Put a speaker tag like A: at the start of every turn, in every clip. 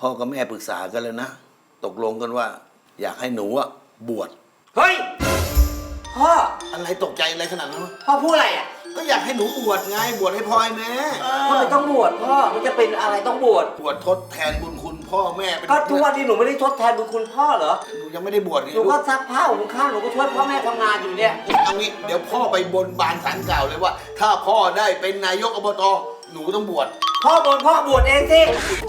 A: พ่อกับแม่ปรึกษากันแล้วนะตกลงกันว่า อยากให้หนูอะบวช
B: เฮ้ยพ่อ
A: อะไรตกใจอะไรขนาดนั้นวะ
B: พ่อพูดอะไรอ่ะ
A: ก็อยากให้หนูบวชไงบวชให้พ่อให้แม่
B: ทำไมต้องบวชพ่อมันจะเป็นอะไรต้องบวช
A: บวชทดแทนบุญคุณพ่อแม่
B: ก็ทุกวันนี้หนูไม่ได้ทดแทนบุญคุณพ่อเหรอ
A: หนูยังไม่ได้บวช
B: หนูก็ซักผ้าหุงข้าวหนูก็ช่วยพ่อแม่ทำงานอยู่เนี่ย
A: เอางี้เดี๋ยวพ่อไปบนบานศาลกล่าวเลยว่า ถ้าพ่อได้เป็นนายกอบตหนูต้องบวช
B: พ่อบนพ่อบวชเองสิ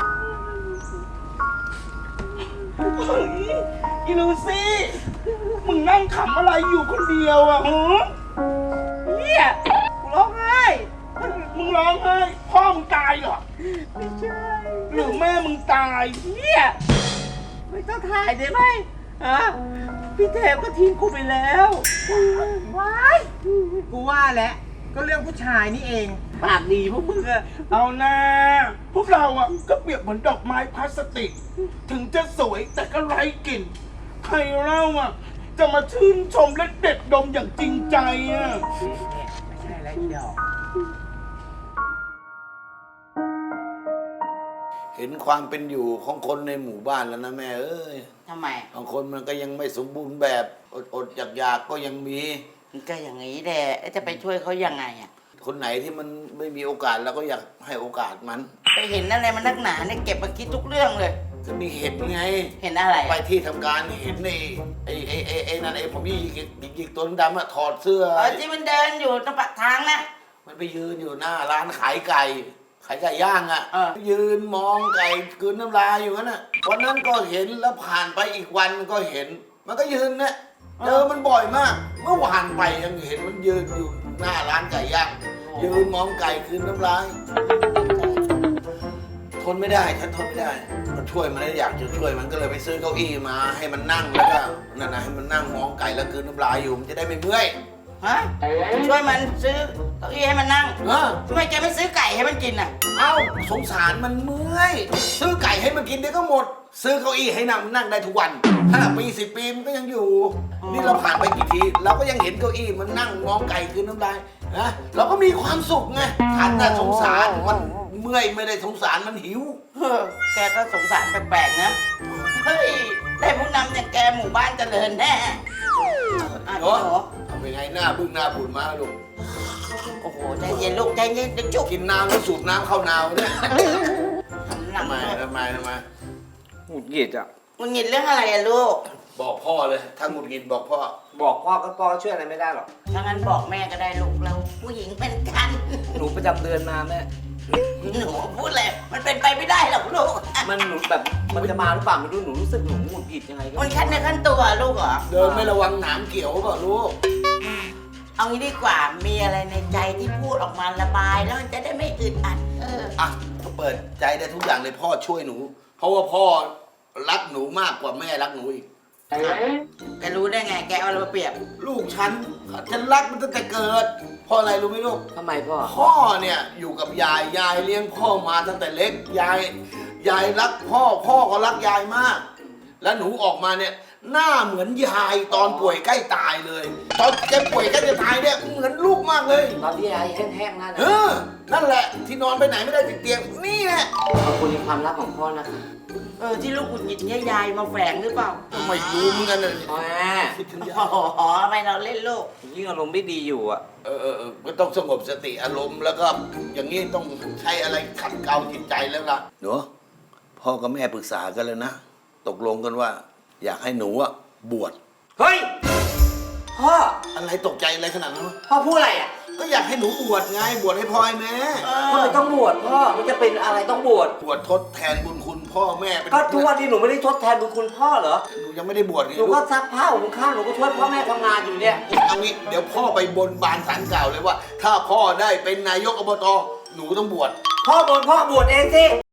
C: อีลูซี่มึงนั่งขำอะไรอยู่คนเดียวอ่ะหือเนี่ยร้องไห้มึงร้องไห้พ่อมึงตายเหรอไม่ใช่หรือแม่มึงตายเนี่ยไม่ต้องถ่ายได้ไหมฮะพี่เทพก็ทิ้งกูไปแล้วว้ายกูว่าแล้วก็เรื่องผู้ชายนี่เองปากดีพวกมึงอะเอาหน้าพวกเราอะก็เปรียบเหมือนดอกไม้พลาสติกถึงจะสวยแต่ก็ไร้กลิ่นใครเล่าอะจะมาชื่นชมและเด็ดดมอย่างจริงใจอะไม่ใช่แล้วอีดอก
A: เห็นความเป็นอยู่ของคนในหมู่บ้านแล้วนะแม่เอ้ย
D: ทำไม
A: บางคนมันก็ยังไม่สมบูรณ์แบบอดอยากก็ยังมี
D: ก็อย่างนี้แหละจะไปช่วยเขายังไงอ่ะ
A: คนไหนที่มันไม่มีโอกาสเราก็อยากให้โอกาสมัน
D: ไปเห็นอะไรมันนักหนาเนี่ยเก็บมาคิดทุกเรื่องเลย
A: ก็มีเห็นไง
D: เห็นอะไร
A: ไปที่ทำการเห็นไอ้นั่นไอ้ผมยี่ยิกตัวดำอะถอดเสื้อ
D: ที่มันเดินอยู่ตรงปากทางนะ
A: มันไปยืนอยู่หน้าร้านขายไก่ย่างอ่ะยืนมองไก่กลืนน้ำลายอยู่นั่นน่ะวันนั้นก็เห็นแล้วผ่านไปอีกวันก็เห็นมันก็ยืนเนี่ยเจอมันบ่อยมากเมื่อวานไปยังเห็นมันยืนอยู่หน้าร้านไก่ย่างยืนมองไก่คืนน้ำลายทนไม่ได้ฉันทนไม่ได้มันช่วยมันแล้วอยากจะช่วยมันก็เลยไปซื้อเก้าอี้มาให้มันนั่งแล้วก็นั่นนะให้มันนั่งมองไก่แล้วคืนน้ำลายอยู่มันจะได้ไม่เมื่อย
D: ฮะช่วยมันซื้อเก้าอี้ให้มันนั่งทำไมแกไม่ซื้อไก่ให้มันกินอ่ะ
A: เอ้าสงสารมันเมื่อยซื้อไก่ให้มันกินเดี๋ยวก็หมดซื้อเก้าอี้ให้นั่งได้ทุกวัน5 ปี10 ปีมันก็ยังอยู่นี่เราผ่านไปกี่ทีเราก็ยังเห็นเก้าอี้มันนั่งมองไก่คืนน้ำลายนะเราก็มีความสุขไงฉันน่ะสงสารมันเมื่อยไม่ได้สงสารมันหิว
D: แกก็สงสารแปลกๆนะเฮ้ยได้ผู้นำอย่างแกหมู่บ้านเจริญแน่
A: เนาะเป็นไงหน้าบึ้งหน้าบุญมาลูก
D: โอ้โหใจเย็นลูกใจเย็นเดี๋ยวจุก
A: กินน้ำแล้วสูบน้ำเข้านาวเนี่ยทำไม
B: หงุดหงิดอ่ะ
D: หงุดหงิดเรื่องอะไรอะลูก
A: บอกพ่อเลยถ้าหงุดหงิดบอกพ่อ
B: ก็พ่อช่วยอะไรไม่ได้หรอก
D: ถ้างั้นบอกแม่ก็ได้ลูกเราผู้หญิงเป็นกัน
B: หนูประจำเดือนมาแม่
D: หนูพูดเลยมันเป็นไปไม่ได้หรอกลูก
B: มันหนูแบบมันจะมาหรือเปล่าไม่รู้หนูรู้สึกหนูหงุดหงิดยังไง
D: มันขั้นในขั้นตัวลูกเหรอ
A: เดินไม่ระวังหนามเกี่ยวเปล่าลูก
D: เอางี้ดีกว่ามีอะไรในใจที่พูดออกมาระบายแล้วมันจะได้ไม่อึดอัด
A: อ่ะเปิดใจได้ทุกอย่างเลยพ่อช่วยหนูเพราะว่าพ่อรักหนูมากกว่าแม่รักหนูอีก
D: แกรู้ได้ไงแกเอาอะไรมาเปรียบ
A: ลูกฉันรักมันตั้งแต่เกิดเพราะอะไรรู้ไหมลูก
B: ทำไมพ่อ
A: เนี่ยอยู่กับยายเลี้ยงพ่อมาตั้งแต่เล็กยายรักพ่อก็รักยายมากแล้วหนูออกมาเนี่ยหน้าเหมือนยายตอนป่วยใกล้ตายเลยตอนแกป่วยใกล้จะตายเนี่ยเหมือนลูกมากเลย
B: ตอนที่ยายแห้งๆนั่น
A: นั่นแหละที่นอนไปไหนไม่ได้ติดเตียงนี่แหละ
B: ขอบคุณในความรักของพ่อนะคะ
D: ที่ลูกหงุดหงิดเนี่ยยายมาแฝงหรือเปล่า
A: ไม่รู้เหมือนกันเลย
D: คิดถึงยายอ๋อไม่เราเล่นลูก
B: ยิ่งอารมณ์ไม่ดีอยู่อ่ะ
A: ก็ต้องสงบสติอารมณ์แล้วก็อย่างนี้ต้องใช้อะไรขัดเกลาจิตใจแล้วล่ะหนูพ่อกับแม่ปรึกษากันแล้วนะตกลงกันว่าอยากให้หนูอะบวช
B: เฮ้ยพ่อ
A: อะไรตกใจอะไรขนาดนั้น
B: พ่อพูดอะไรอ่ะ
A: ก็อยากให้หนูบวชไงบวชให้พ่อให้แม่
B: ทำไมต้องบวชพ่อมันจะเป็นอะไรต้องบวช
A: ทดแทนบุญคุณพ่อแม่
B: ก็ทุกวันนี้หนูไม่ได้ทดแทนบุญคุณพ่อเหรอ
A: หนูยังไม่ได้บวช
B: หนูก็ซักผ้าหุงข้าวหนูก็ช่วยพ่อแม่ทำงานอยู่เนี่ย
A: เอางี้เดี๋ยวพ่อไปบนบานศาลกล่าวเลยว่าถ้าพ่อได้เป็นนายกอบตหนูต้องบวช
B: พ่อบนพ่อบวชเองสิ